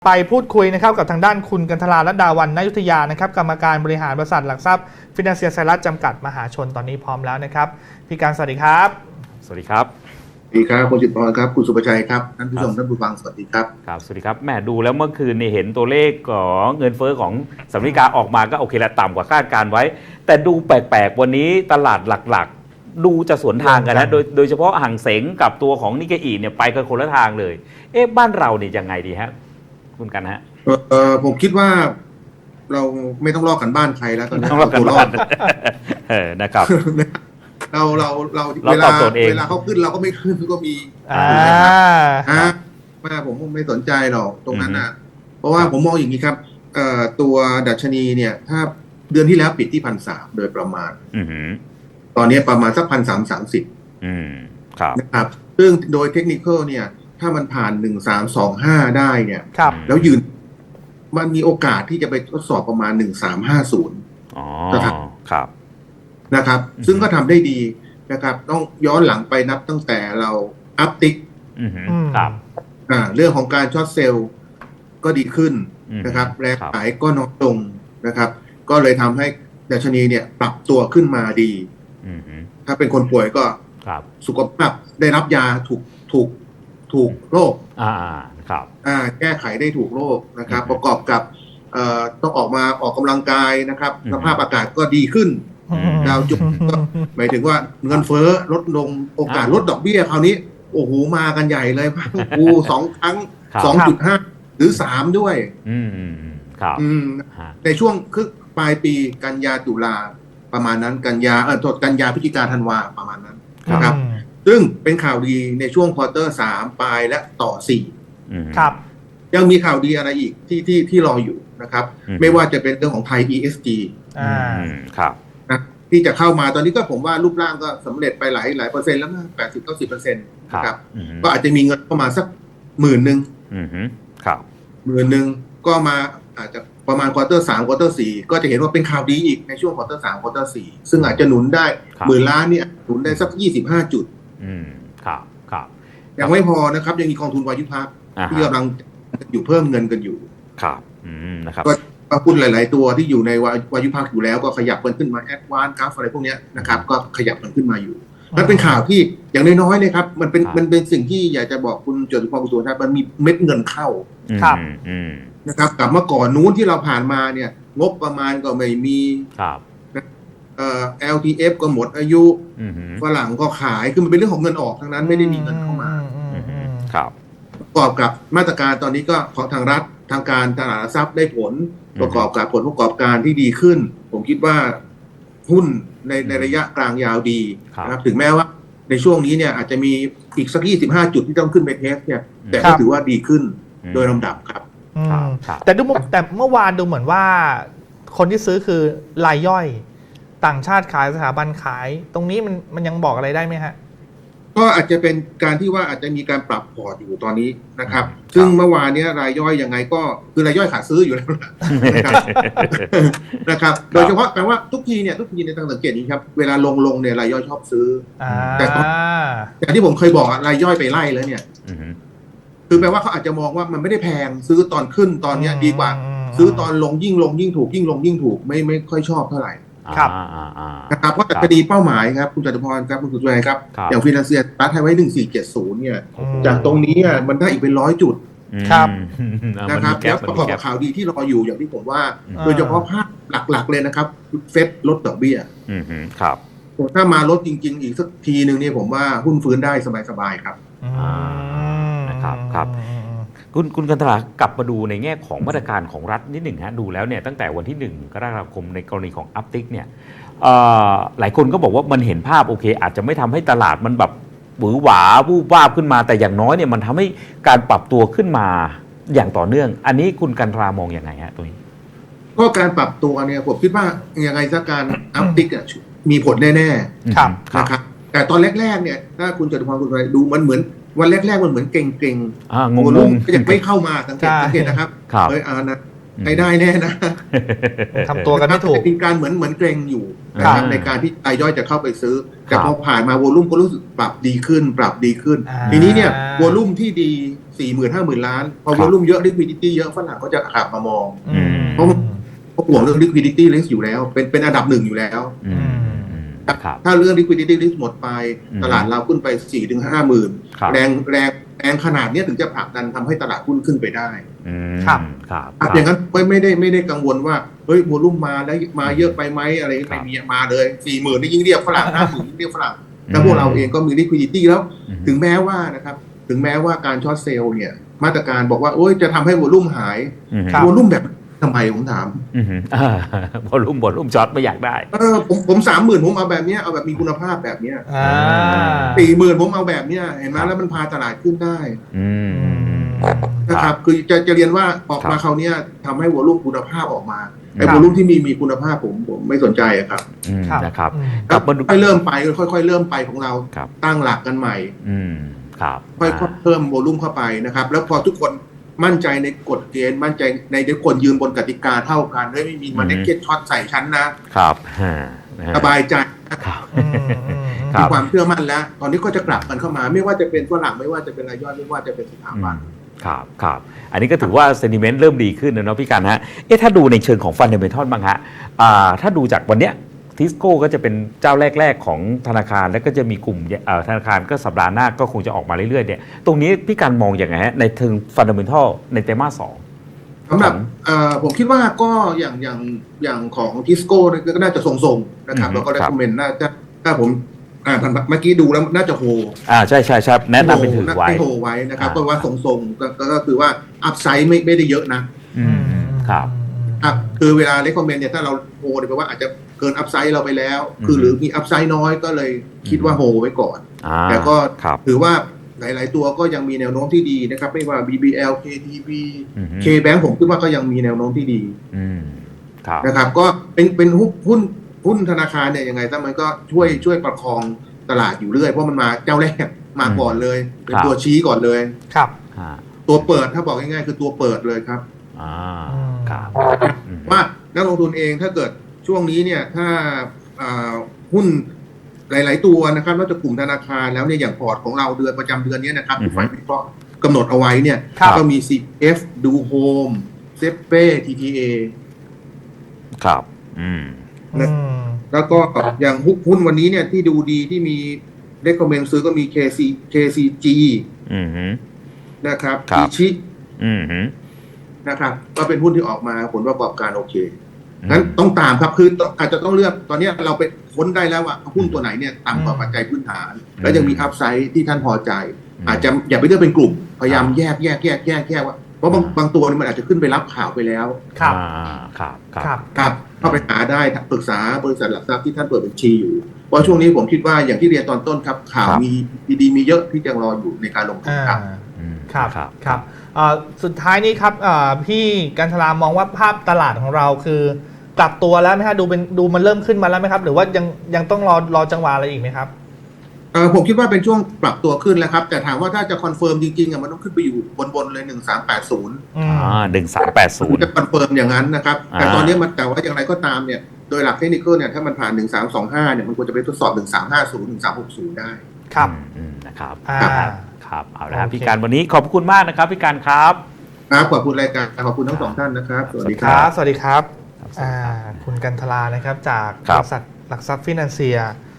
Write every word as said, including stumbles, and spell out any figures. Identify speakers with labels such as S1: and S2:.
S1: ไปพูดคุยนะครับกับทางด้านคุณกันทรารัตน์ดาวันณยุทธยานะครับกรรมการบริหารบริษัทหลักทรัพย์ฟินแลนเซียไซรัสจำกัดมหาชนตอนนี้พร้อมแล้วนะครับพี่การสวัสดีครับ
S2: สวัสดีครับ
S3: สวัสดีครับคุณจิตพรครับคุณสุภชัยครับท่านผู้ชมท่านผู้ฟังสวัสดีครับ
S2: ครับสวัสดีครับแม่ดูแล้วเมื่อคืนนี่เห็นตัวเลขของเงินเฟ้อของสหรัฐอเมริกาออกมาก็โอเคละต่ำกว่าคาดการไว้แต่ดูแปลกๆวันนี้ตลาดหลักๆดูจะสวนทางกันนะโดยโดยเฉพาะห่างเสงกับตัวของนิกเกอิเนี่ยไปกันคนละทางเลยเอ๊ะบ้านเราเนี่ยยังไงดีฮะคุณกันฮะ
S3: เออผมคิดว่าเราไม่ต้องลอกกันบ้านใครแล้วตอนนี้
S2: ต้องลอกกันบ้านเออนะครับ
S3: เราเราเราเวลาเวลาเขาขึ้นเราก็ไม่ขึ้นก็มี
S1: อ่า
S3: ฮะมาผมไม่สนใจหรอกตรงนั้นนะเพราะว่าผมมองอย่างนี้ครับเอ่อตัวดัชนีเนี่ยถ้าเดือนที่แล้วปิดที่พันสามโดยประมาณตอนนี้ประมาณสักพันสามสามสิบนะครับซึ่งโดยเทคนิคเนี่ยถ้ามันผ่านหนึ่งสามสองห้าได้เนี่ยแล้วยืนมันมีโอกาสที่จะไปทดสอบประมาณหนึ่งสามห้าศูนย์
S2: ครับ
S3: นะครับซึ่งก็ทำได้ดีนะครับต้องย้อนหลังไปนับตั้งแต่เราอัพติ๊ก
S2: ครับ
S3: อ่าเรื่องของการช็อตเซลล์ก็ดีขึ้นนะครับแรงขายก็น้อยลงนะครับก็เลยทำให้ดัชนีเนี่ยปรับตัวขึ้นมาดีถ้าเป็นคนป่วยก็สุขภาพได้รับยาถูกถูกถูกโรค
S2: อ่าครับ
S3: อ่าแก้ไขได้ถูกโรคนะครับประกอบกับเอ่อต้องออกมาออกกำลังกายนะครับสภาพอากาศก็ดีขึ้นดาวจุดก็หมายถึงว่าเงินเฟ้อลดลงโอกาสลดดอกเบี้ยคราวนี้โอ้โหมากันใหญ่เลยพังกูสองครั้ง สองจุดห้า หรือสามด้วย
S2: อืมครับ
S3: อืมในช่วงคือปลายปีกันยาตุลาประมาณนั้นกันยาเออกันยาพฤศจิกาธันวาประมาณนั้นนะครับซึ่งเป็นข่าวดีในช่วงควอเตอร์สามปลายและต่อสี่
S1: ครับ
S3: ยังมีข่าวดีอะไรอีกที่ที่ที่รออยู่นะครับไม่ว่าจะเป็นเรื่องของไทย อี เอส จี
S2: อ่าครับ
S3: นะที่จะเข้ามาตอนนี้ก็ผมว่ารูปร่างก็สำเร็จไปหลายหลายเปอร์เซ็นต์แล้วนะแปดสิบเก้าสิบเปอร์เซ็นต์นะครับก็อาจจะมีเงินเข้ามาสักหมื่นหนึ่ง
S2: ครับ
S3: หมื่นหนึ่งก็มาอาจจะประมาณควอเตอร์สามควอเตอร์สี่ก็จะเห็นว่าเป็นข่าวดีอีกในช่วงควอเตอร์สามควอเตอร์สี่ซึ่งอาจจะหนุนได้หมื่นล้านเนี่ยหนุนได้สักยี่สิบห้าจุด
S2: อืมครับครับ
S3: ยังไม่พอนะครับยังมีกองทุนวายุพักที่กำลังอยู่เพิ่มเงินกันอยู่
S2: ครับอืมนะครับ
S3: ก็หุ้นหลายๆตัวที่อยู่ในวายุพักอยู่แล้วก็ขยับกันขึ้นมาแอดวานซ์กราฟอะไรพวกนี้นะครับก็ขยับกันขึ้นมาอยู่มันเป็นข่าวที่อย่างน้อยๆเลยครับมันเป็นมันเป็นสิ่งที่อยากจะบอกคุณจตุพร คุณสุวรรณครับมันมีเม็ดเงินเข้า
S1: ครับ
S3: นะครับกับเมื่อก่อนนู้นที่เราผ่านมาเนี่ยงบประมาณก็ไม่มี
S2: ครับ
S3: เอ่อ แอล ที เอฟ ก็หมดอายุฝรั่งก็ขายคือมันเป็นเรื่องของเงินออกทั้งนั้นไม่ได้มีเงินเข้ามา
S2: ครับ
S3: ประกอบกับมาตรการตอนนี้ก็ของทางรัฐทางการตลาดหลักทรัพย์ได้ผลประกอบกับผลประกอบการที่ดีขึ้นผมคิดว่าหุ้นในในระยะกลางยาวดีนะครับถึงแม้ว่าในช่วงนี้เนี่ยอาจจะมีอีกสักยี่สิบห้าจุดที่ต้องขึ้นไปเทสเนี่ยแต่ก็ถือว่าดีขึ้นโดยลำดับครับ
S1: แต่ดูแต่เมื่อวานดูเหมือนว่าคนที่ซื้อคือรายย่อยต่างชาติขายสถาบันขายตรงนี้มันมันยังบอกอะไรได้ไหมฮะ
S3: ก็อาจจะเป็นการที่ว่าอาจจะมีการปรับพอร์ตอยู่ตอนนี้นะครับซึ่งเมื่อวานนี้รายย่อยยังไงก็คือรายย่อยขาซื้ออยู่แล้วนะครับนะครับโดยเฉพาะแปลว่าทุกทีเนี่ยทุกทีในทางสังเกตนี้ครับเวลาลงลงเนี่ยรายย่อยชอบซื้อแต่แต่ที่ผมเคยบอกรายย่อยไปไล่แล้วเนี่ยคือแปลว่าเขาอาจจะมองว่ามันไม่ได้แพงซื้อตอนขึ้นตอนนี้ดีกว่าซื้อตอนลงยิ่งลงยิ่งถูกยิ่งลงยิ่งถูกไม่ไม่ค่อยชอบเท่าไหร่
S1: ครับ
S3: นะครับเพราะคดีเป้าหมายครับคุณจตุพรครับคุณสุชัยครับอย่างฟินแลนเซียตัดให้ไว้หนึ่งสี่เจ็ดศูนย์เนี่ยจากตรงนี้มันได้อีกเป็นร้อยจุด
S1: ครับ
S3: นะครับแล้วประกอบกับข่าวดีที่รออยู่อย่างที่ผมว่าโดยเฉพาะภาพหลักๆเลยนะครับเฟดลดดอกเบี้ย
S2: ครับ
S3: ถ้ามาลดจริงๆอีกสักทีหนึ่งเนี่ยผมว่าหุ้นฟื้นได้สบายๆครับ
S2: นะครับครับคุณคุณกันตลากลับมาดูในแง่ของมาตรการของรัฐนิดหนึ่งฮะดูแล้วเนี่ยตั้งแต่วันที่หนึ่งกรกฎาคมในกรณีของอัพติกเนี่ยหลายคนก็บอกว่ามันเห็นภาพโอเคอาจจะไม่ทำให้ตลาดมันแบบหวือหวาวูบวาบขึ้นมาแต่อย่างน้อยเนี่ยมันทำให้การปรับตัวขึ้นมาอย่างต่อเนื่องอันนี้คุณกันตรามองอย่างไรฮะตัวนี้
S3: ก็การปรับตัวเนี่ยผมคิดว่ายังไงซะการอัพติกมีผลแน่ๆ
S1: ครับ
S3: นะครับแต่ตอนแรกๆเนี่ยถ้าคุณจตุพรคุณไปดูมันเหมือนวันแรกๆมันเหมือนเก่ง
S2: ๆงง
S3: ๆก็ยังไม่เข้ามาสังเกตสังเกตนะครับเฮ้ยอ่านะใช้ได้แน่นะ
S1: ทำตัวกันไม่ถูก
S3: เป็นการเหมือนเหมือนเกรงอยู่นะครับในการที่รายย่อยจะเข้าไปซื้อแต่พอผ่านมาวอลุ่มก็รู้สึกปรับดีขึ้นปรับดีขึ้นทีนี้เนี่ยวอลุ่มที่ดีสี่หมื่นห้าหมื่นล้านพอ
S2: ครับ
S3: วอลุ่มเยอะ liquidity เยอะฝรั่งก็จะขับมามอง
S1: อืม
S3: เพราะ เพราะห่วงเรื่อง liquidity risk อยู่แล้ว เป็นเป็นอันดับหนึ่งอยู่แล้ว
S2: อืมอืมครับ
S3: ถ้าเรื่อง liquidity risk หมดไป
S2: อืม
S3: ตลาดเราขึ้นไป สี่ถึงห้าหมื่น
S2: ครับ
S3: แรงแรงแรงขนาดเนี้ยถึงจะผลักดันทำให้ตลาดหุ้นขึ้นไปได้
S2: อืม
S1: ครับ
S2: ครับ
S3: ครับอย่างนั้นไม่ไม่ได้ไม่ได้กังวลว่าเฮ้ยวอลุ่มมาแล้วมาเยอะไปไหมอะไร
S2: ครั
S3: ไม่
S2: บ
S3: มีมาเลยสี่หมื่นนี่ยิ่งเรียกฝรั่งห้าหมื่นยิ่งเรียกฝรั่งแล้วพวกเราเองก็มี liquidity แล้ว
S2: อืม
S3: ถึงแม้ว่านะครับถึงแม้ว่าการช็อตเซลล์เนี่ยมาตรการบอกว่าโอ้ยจะทำให้วอลุ่มหาย
S2: อืม
S3: วอลุ่มแบบทำไมผมถาม
S2: อืมอ่าบอลลุ่มบอลลุ่มช็อตไม่อยากได้
S3: เออผมผมสามหมื่นผมเอาแบบเนี้ยเอาแบบมีคุณภาพแบบเนี้ย
S1: อ่า
S3: สี่หมื่นผมเอาแบบเนี้ยเห็นไหมแล้วมันพาตลาดขึ้นได้
S2: อืมอืมอืม
S3: นะครับคือจะจะเรียนว่าออก
S2: ครั
S3: มา
S2: บ
S3: คราวเนี้ยทำให้วอลุ่มคุณภาพออกมาไอ้
S1: ครับ
S3: วอลุ่มที่มีมีคุณภาพผมผมไม่สนใจอะครับ
S2: อืม
S1: ครับ
S2: นะครับ
S1: อืม
S2: กลับมาดู
S3: ค่อยๆเริ่มไปค่อยๆเริ่มไปของเรา
S2: ครับ
S3: ตั้งหลักกันใหม่
S2: อืมครับ
S3: ค่อยๆเพิ่มโวลุ่มเข้าไปนะครับ แล้วพอทุกคนมั่นใจในกฎเกณฑ์มั่นใจในทุกคนยืนบนกติกาเท่ากันเฮ้ยไม่มีมาเน็ตเก็ตช็อตใส่ชั้นนะครับ
S2: ฮะนะฮะ
S3: สบายใจ
S2: ครับ
S1: อืมอืมอืม
S2: ครั
S3: มี
S2: บ
S3: ความเชื่อมั่นแล้ว ตอนนี้ก็จะกลับกันเข้ามา ไม่ว่าจะเป็นฝรั่งไม่ว่าจะเป็นรายย่อยไม่ว่าจะเป็นสถาบัน
S2: ครับครับอันนี้ก็ถือว่าเซนิเมนต์เริ่มดีขึ้นนะเนาะพี่กันฮะเอ๊ะถ้าดูในเชิงของฟันเดเมนทัลบ้างฮะอ่าถ้าดูจากวันเนี้ยทิสโก้ก็จะเป็นเจ้าแรก ๆ ของธนาคารแล้วก็จะมีกลุ่มเอ่อธนาคารก็สัปดาห์หน้าก็คงจะออกมาเรื่อยๆเนี่ยตรงนี้พี่กันมองอย่างไงฮะในเชิงฟันเดเมนทัลในไตรมาสสอง
S3: สำหรับเอ่อผมคิดว่าก็อย่างอย่างอย่างของทิสโก้ก็น่าจะทรงๆนะครับ
S2: อืม
S3: แล้วก็
S2: ครับ
S3: recommend น่าจะถ้าผมอ่าเมื่อกี้ดูแล้วน่าจะโฮ
S2: อ่าใช่ใช่ใช่แนะนำเป็นถือไว้
S3: ให้โฮไว้นะครับ
S2: อ่า
S3: ก็ว่าทรงๆก็ก็ก็คือว่าอัพไซด์ไม่ไม่ได้เยอะนะ
S2: อืมครับ
S3: ครับคือเวลา recommend เนี่ยถ้าเราโฮเนี่ยแปลว่าอาจจะเกินอัพไซด์เราไปแล้ว คือ
S2: อืม
S3: หรือมีอัพไซด์น้อยก็เลยคิดว่าโฮไว้ก่อน
S2: อ่า
S3: แต่ก็
S2: ครับ
S3: ถือว่าหลาย ๆ ตัวก็ยังมีแนวโน้มที่ดีนะครับ ไม่ว่า บี บี แอล เค ที บี
S2: อืม
S3: K-Bank ผมคิดว่าก็ยังมีแนวโน้มที่ดี
S2: อืมครับ
S3: นะครับ ก็เป็นเป็นหุ้นหุ้นหุ้นธนาคารเนี่ยยังไงซะมันก็ช่วยช่วยประคองตลาดอยู่เรื่อยเพราะมันมาเจ้าแรกมาก่อนเลย เป็นตัวชี้ก่อนเลย
S1: ครับ
S2: อ่า
S3: ตัวเปิดถ้าบอกง่าย ๆ คือตัวเปิดเลยครับ
S2: อ่า
S1: อืม
S2: ครับอืม
S3: ว่านักลงทุนเองถ้าเกิดช่วงนี้เนี่ยถ้าอ่าหุ้นหลาย ๆ ตัวนะครับนอกจากกลุ่มธนาคารแล้วเนี่ยอย่างพอร์ตของเราเดือนประจำเดือนนี้นะครับ
S2: อือฮึ
S3: ที่ฝ่ายวิเคราะห์กำหนดเอาไว้เนี่ย
S1: ครับ
S3: ก็มี ซี เอฟ ดูโฮมเซเป้ ที ที เอ
S2: ครับอืม
S1: อืม
S3: แล้วก็อย่างหุ้นวันนี้เนี่ยที่ดูดีที่มี recommend ซื้อก็มี เค ซี เค ซี จี
S2: อืมฮึ
S3: นะครับ
S2: ครับ
S3: อิชิ
S2: อืมฮึ
S3: นะครับก็เป็นหุ้นที่ออกมาผลประกอบการโอเคงั้นต้องตามครับคือต้องอาจจะต้องเลือกตอนนี้เราไปค้นได้แล้วว่าหุ้นตัวไหนเนี่ยต่ำกว่าปัจจัยพื้นฐาน แล้วยังมีอัพไซด์ที่ท่านพอใจ อาจจะอย่าไปเลือกเป็นกลุ่ม พยายามแยกแยกแยกแยกแยกว่าเพราะบางบางตัวนี่มันอาจจะขึ้นไปรับข่าวไปแล้ว
S1: ครับ
S2: อ่าครับครับ
S1: ครับ
S3: ครับเข้าไปหาได้ปรึกษาบริษัทหลักทรัพย์ที่ท่านเปิดบัญชีอยู่เพราะช่วงนี้ผมคิดว่าอย่างที่เรียนตอนต้นครับข่าว
S2: ครับ
S3: มีดีๆมีเยอะที่ยังรออยู่ในการลงทุน
S1: อ่า
S3: ครับ
S2: อืม
S1: ครับ
S2: ครับ
S1: ครับเอ่อสุดท้ายนี้ครับเอ่อพี่กันทรามองว่าภาพตลาดของเราคือกลับตัวแล้วไหมฮะดูเป็นดูมันเริ่มขึ้นมาแล้วไหมครับ หรือว่ายังยังต้องรอรอจังหวะอะไรอีกไหมครับ
S3: เออผมคิดว่าเป็นช่วงปรับตัวขึ้นแล้วครับ แต่ถามว่าถ้าจะคอนเฟิร์มจริงๆอ่ะมันต้องขึ้นไปอยู่บนๆเลยหนึ่งสามแปดศูนย์
S1: อืม
S2: อ่าหนึ่งสามแปดศูนย์
S3: จะคอนเฟิร์มอย่างนั้นนะครับ แต่
S2: อ่า
S3: ตอนนี้มันแต่ว่าอย่างไรก็ตามเนี่ยโดยหลักเทคนิคเนี่ยถ้ามันผ่านหนึ่งสามสองห้าเนี่ยมันควรจะไปทดสอบหนึ่งสามห้าศูนย์หนึ่งสามหกศูนย์ได้
S1: ครับ
S2: อืมอืมนะครับ
S1: อ่า
S2: ครับเอาละครับ
S1: โอเค
S2: พี่การวันนี้ขอบคุณมากนะครับพี่การครับ
S3: ครับขอบคุณรายการขอบคุณทั้งสองท่านนะครับสวัสดี
S1: ค
S3: ค
S1: รั
S3: รับ
S1: บ สวัสดีครับ
S2: ครับ
S1: อ่าคุณกันทรานะครับจาก
S2: ครับ
S1: บริษัทหลักทรัพย์ฟินแลนเซีย